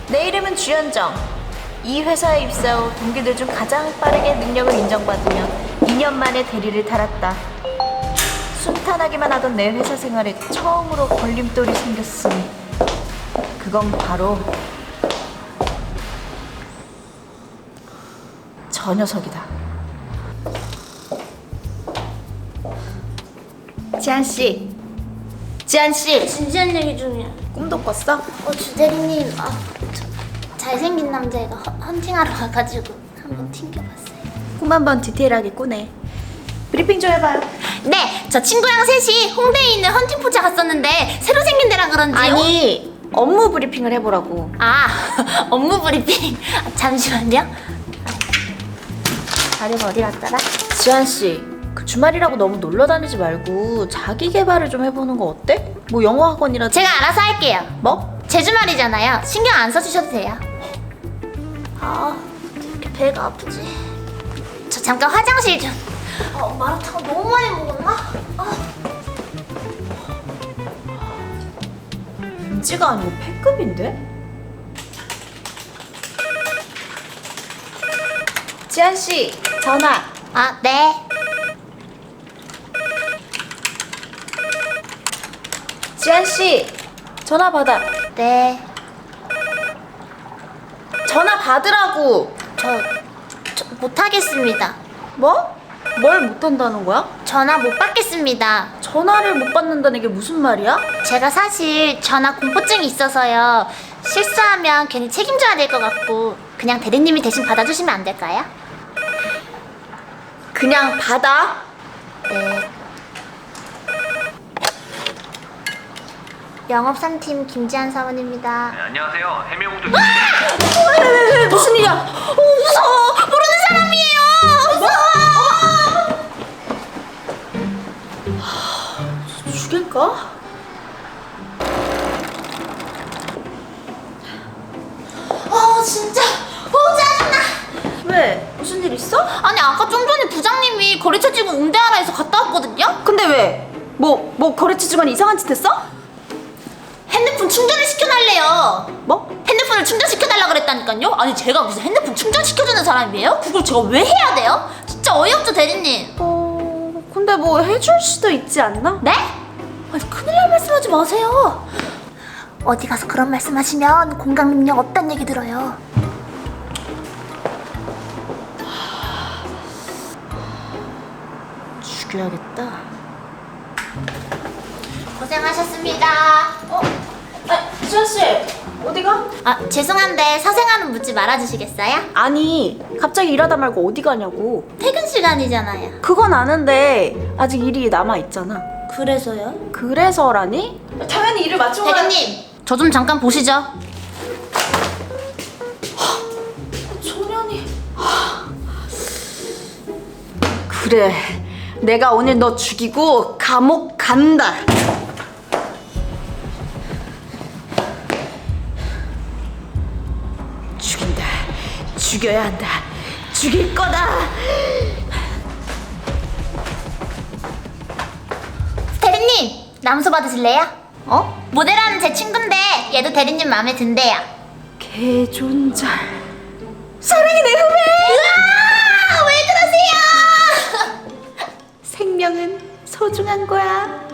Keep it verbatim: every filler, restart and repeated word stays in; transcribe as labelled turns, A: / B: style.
A: 내 이름은 주현정. 이 회사에 입사 후 동기들 중 가장 빠르게 능력을 인정받으며 이 년 만에 대리를 달았다. 순탄하기만 하던 내 회사 생활에 처음으로 걸림돌이 생겼으니 그건 바로 저 녀석이다. 지한씨, 지한씨,
B: 진지한 얘기 중이야.
A: 꿈도 꿨어?
B: 어, 주대리님, 아, 저, 잘생긴 남자애가 헌, 헌팅하러 와가지고 한번 튕겨봤어요.
A: 꿈 한번 디테일하게 꾸네. 브리핑 좀 해봐요.
B: 네, 저 친구랑 셋이 홍대에 있는 헌팅 포차 갔었는데 새로 생긴 데라 그런지.
A: 아니, 업무 브리핑을 해보라고.
B: 아, 업무 브리핑. 아, 잠시만요. 자료가 어디 갔더라?
A: 지한씨, 그 주말이라고 너무 놀러 다니지 말고 자기 개발을 좀 해보는 거 어때? 뭐 영어 학원이라도.
B: 제가 알아서 할게요.
A: 뭐?
B: 제 주말이잖아요. 신경 안 써주셔도 돼요. 아, 이렇게 배가 아프지? 저 잠깐 화장실 좀. 어, 마라탕 너무 많이 먹었나? 아.
A: 인지가 아니고 패급인데? 지한씨, 전화.
B: 아, 네.
A: 지한씨, 전화 받아.
B: 네.
A: 전화 받으라고.
B: 저, 저 못하겠습니다.
A: 뭐? 뭘 못한다는 거야?
B: 전화 못 받겠습니다.
A: 전화를 못 받는다는 게 무슨 말이야?
B: 제가 사실 전화 공포증이 있어서요. 실수하면 괜히 책임져야 될 것 같고 그냥 대리님이 대신 받아주시면 안 될까요?
A: 그냥 받아.
B: 네. 영업삼팀 김지한 사원입니다.
C: 네, 안녕하세요. 해명국도
A: 왜, 왜, 왜, 무슨 일이야? 어, 무서워.
B: 모르는 사람이에요. 무서워.
A: 죽일까?
B: 어 진짜. 어 짜증나.
A: 왜? 무슨 일 있어?
B: 아니 아까 좀 전에 부장님이 거래처 직원 응대하라 해서 갔다 왔거든요.
A: 근데 왜? 뭐, 뭐 거래처 직원이 이상한 짓 했어?
B: 핸드폰 충전을 시켜달래요.
A: 뭐?
B: 핸드폰을 충전시켜달라 그랬다니까요? 아니 제가 무슨 핸드폰 충전시켜주는 사람이에요? 그걸 제가 왜 해야 돼요? 진짜 어이없죠 대리님.
A: 어... 근데 뭐 해줄 수도 있지 않나?
B: 네? 아니 큰일 날 말씀하지 마세요. 어디 가서 그런 말씀하시면 공감 능력 없단 얘기 들어요.
A: 죽여야겠다.
B: 고생하셨습니다.
A: 어? 아, 지한씨, 어디가?
B: 아 죄송한데 사생활은 묻지 말아주시겠어요?
A: 아니, 갑자기 일하다 말고 어디 가냐고.
B: 퇴근 시간이잖아요.
A: 그건 아는데 아직 일이 남아있잖아.
B: 그래서요?
A: 그래서라니? 당연히 일을 마치고 가야-
B: 대리님 저 좀 잠깐 보시죠.
A: 소년이... 그래, 내가 오늘 너 죽이고 감옥 간다. 죽인다. 죽여야 한다. 죽일 거다.
B: 대리님 남소 받으실래요? 어? 모델하는 제 친구인데 얘도 대리님 마음에 든대요.
A: 개존잘. 사랑이 내 후배.
B: 으아! 왜 그러세요?
A: 생명은 소중한 거야.